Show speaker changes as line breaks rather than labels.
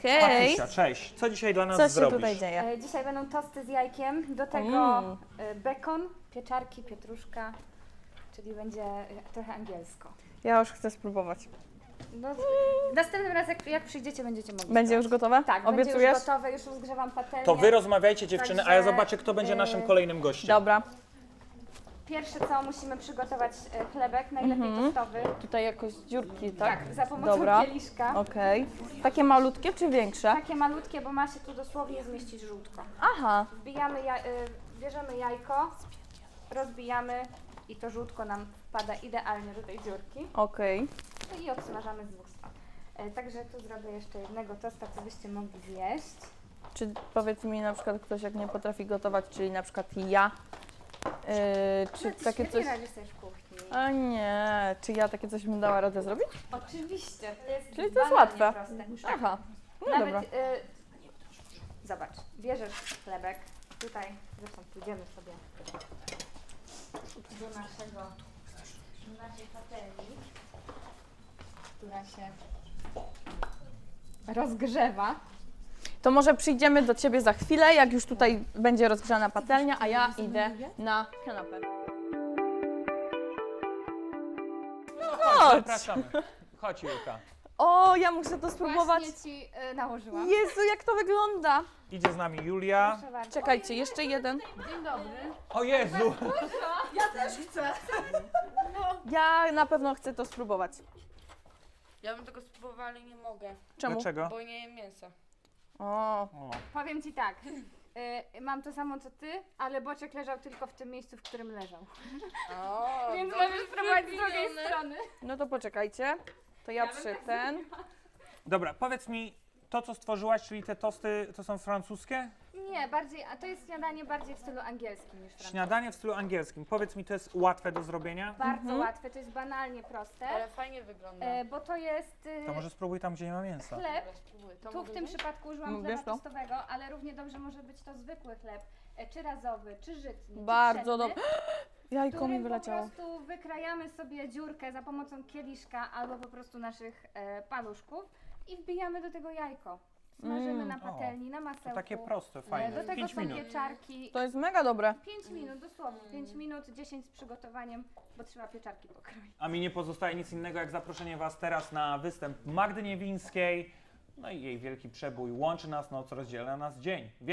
Hej!
Patrycja, cześć. Co dzisiaj dla nas
Co się
zrobisz?
tutaj dzieje?
Dzisiaj będą tosty z jajkiem, do tego bekon, pieczarki, pietruszka, czyli będzie trochę angielsko.
Ja już chcę spróbować.
No, następnym razem jak przyjdziecie, będziecie mogli
Będzie już
sprawdzić.
gotowe?
Tak,
Obiecujesz?
będzie już gotowe, już rozgrzewam patelnię.
To wy rozmawiajcie dziewczyny, a ja
Także,
zobaczę, kto będzie naszym kolejnym gościem.
Dobra.
Pierwsze co, musimy przygotować chlebek, najlepiej tostowy.
Tutaj jakoś dziurki, tak?
Tak, za pomocą
Dobra.
kieliszka.
Okej. Takie malutkie czy większe?
Takie malutkie, bo ma się tu dosłownie zmieścić żółtko.
Aha.
Bierzemy jajko, rozbijamy i to żółtko nam wpada idealnie do tej dziurki.
Okej.
No i odsmażamy z dwóch stron. Także tu zrobię jeszcze jednego tosta, co byście mogli zjeść.
Czy powiedz mi na przykład ktoś jak nie potrafi gotować, czyli na przykład ja, czy
No, ty
takie
świetnie
coś...
radzisz sobie w kuchni.
A nie, czy ja takie coś bym dała radę zrobić?
Oczywiście. To jest
Czyli to jest
banalnie
łatwe.
proste.
Aha. No
Nawet,
dobra.
zobacz, bierzesz chlebek, tutaj, zresztą pójdziemy sobie do naszej patelni, która się rozgrzewa.
To może przyjdziemy do Ciebie za chwilę, jak już tutaj będzie rozgrzana patelnia, a ja idę na kanapę. Chodź!
Zapraszamy. Chodź, Julka.
O, ja muszę to spróbować.
Właśnie Ci nałożyłam.
Jezu, jak to wygląda!
Idzie z nami Julia.
Proszę bardzo.
Czekajcie, jeszcze jeden.
O Jezu!
Ja na pewno chcę to spróbować.
Ja bym tego spróbowała, ale nie mogę,
Czemu?
Dlaczego?
bo nie jem mięsa.
O,
O.
Powiem Ci tak, mam to samo co Ty, ale boczek leżał tylko w tym miejscu, w którym leżał.
O,
Więc możesz spróbować z drugiej strony.
no to poczekajcie. To ja przy ten.
Dobra, powiedz mi, to co stworzyłaś, czyli te tosty, to są francuskie?
Nie, bardziej, a to jest śniadanie bardziej w stylu angielskim niż francuskim.
Śniadanie w stylu angielskim. Powiedz mi, to jest łatwe do zrobienia?
Bardzo łatwe, to jest banalnie proste,
ale fajnie wygląda.
bo to jest
To może spróbuj tam, gdzie nie ma mięsa.
chleb.
Dobra, spróbuję. To
Tu
mogę
w tym
wziąć?
przypadku użyłam
Wiesz
chleba
to?
tostowego, ale równie dobrze może być to zwykły chleb, czy razowy, czy żytni,
Bardzo
czy
dobrze. Jajko mi
którym
wyleciało.
po prostu wykrajamy sobie dziurkę za pomocą kieliszka albo po prostu naszych paluszków i wbijamy do tego jajko. Smażymy na patelni, na masełku.
To takie proste,
Do
fajne.
tego
5
są
minut.
pieczarki.
To jest mega dobre.
5 minut, dosłownie 5 minut, 10 z przygotowaniem, bo trzeba pieczarki pokroić.
A mi nie pozostaje nic innego, jak zaproszenie Was teraz na występ Magdy Niewińskiej. No i jej wielki przebój łączy nas, noc rozdziela nas dzień.